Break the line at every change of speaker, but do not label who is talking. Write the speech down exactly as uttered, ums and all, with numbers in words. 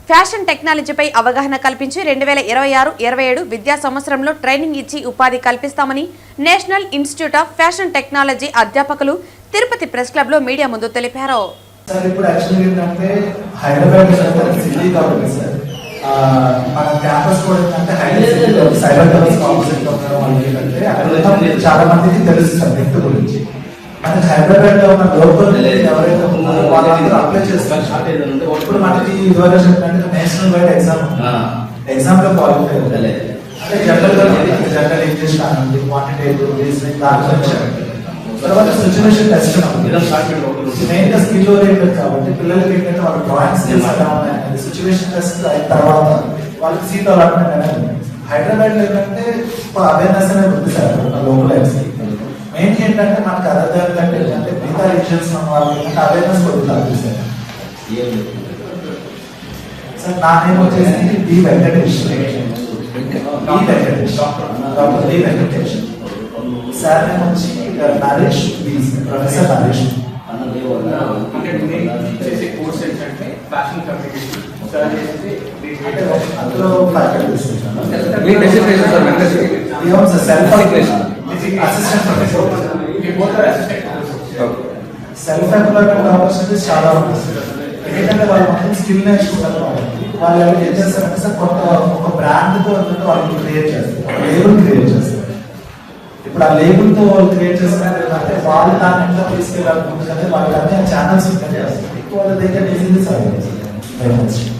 Fashion టెక్నాలజీపై అవగాహన కల్పించి రెండు వేల ఇరవై ఆరు ఇరవై ఏడు విద్యా సంవత్సరంలో ట్రైనింగ్ ఇచ్చి ఉపాధి కల్పిస్తామని National Institute of Fashion Technology అధ్యాపకులు తిరుపతి ప్రెస్ క్లబ్ లో మీడియా ముందు తెలిపారు.
సార్ ఇప్పుడు యాక్చువల్లీ ఏంటంటే హైదరాబాద్ సిటీ కాబట్టి సార్ మన క్యాంపస్ కూడా ఏంటంటే హైదరాబాద్ సైబర్ టవర్స్ ఆపోజిట్ అంటే అక్కడ చాలా మందికి తెలుసు సార్ నెట్ గురించి. మనకి హైదరాబాద్ లో ఉన్న లోకల్ ఎవరైతే ఉన్నారో వాళ్ళందరూ అప్లై చేస్తారు. ఇప్పుడు మనకి ఇదివరకు చెప్పినట్టు నేషనల్ వైడ్ ఎగ్జామ్ ఎగ్జామ్ లో క్వాలిఫై అవుతుంది. అంటే జనరల్ గా జనరల్ ఇంగ్లీష్ కానివ్వండి, క్వాంటిటేటివ్ రీజనింగ్ దాని గురించి. తర్వాత సిచ్యువేషన్ టెస్ట్ మెయిన్ గా స్కిల్ ఓరియంటెడ్ కాబట్టి పిల్లలకి ఏంటంటే వాళ్ళ డ్రాయింగ్ స్కిల్స్ ఎలా ఉన్నాయనేది సిచ్యువేషన్ టెస్ట్ అయిన తర్వాత వాళ్ళకి సీట్ అలాట్మెంట్ అనేది హైదరాబాద్ లో ఏంటంటే అవేర్నెస్ అనేది ఉంది సార్ లోకల్ ఎగ్జామ్. మెయిన్ ఏంటంటే మనకు అదర్ కంటే ఏంటంటే మిగతా రీజన్స్ ఉన్న వాళ్ళకి ఏంటంటే అవేర్నెస్ కొడుతుంది సార్. సార్ నా నేమ్ వచ్చేసి D Venkatesh D Venkatesh doctor D Venkatesh. Sir name వచ్చి నరేష్ ప్రొఫెసర్ నరేష్. అందులో faculties assistant professor self employment opportunities చాలా ఉంటుంది. ఎందుకంటే వాళ్ళు మొత్తం స్కిల్ నేర్చుకుంటారు కాబట్టి వాళ్ళు ఏం చేస్తారంటే సార్ కొత్త ఒక బ్రాండ్ తో వాళ్ళు క్రియేట్ చేస్తారు, లేబుల్ క్రియేట్ చేస్తారు. ఇప్పుడు ఆ లేబుల్ తో వాళ్ళు క్రియేట్ చేస్తారంటే వాళ్ళు దాన్ని ఎంత తీసుకెళ్ళాలనుకుంటుందంటే వాళ్ళకి అన్ని ఛానల్స్ ఉంటాయి. వాళ్ళ దగ్గర ఈజీగా సార్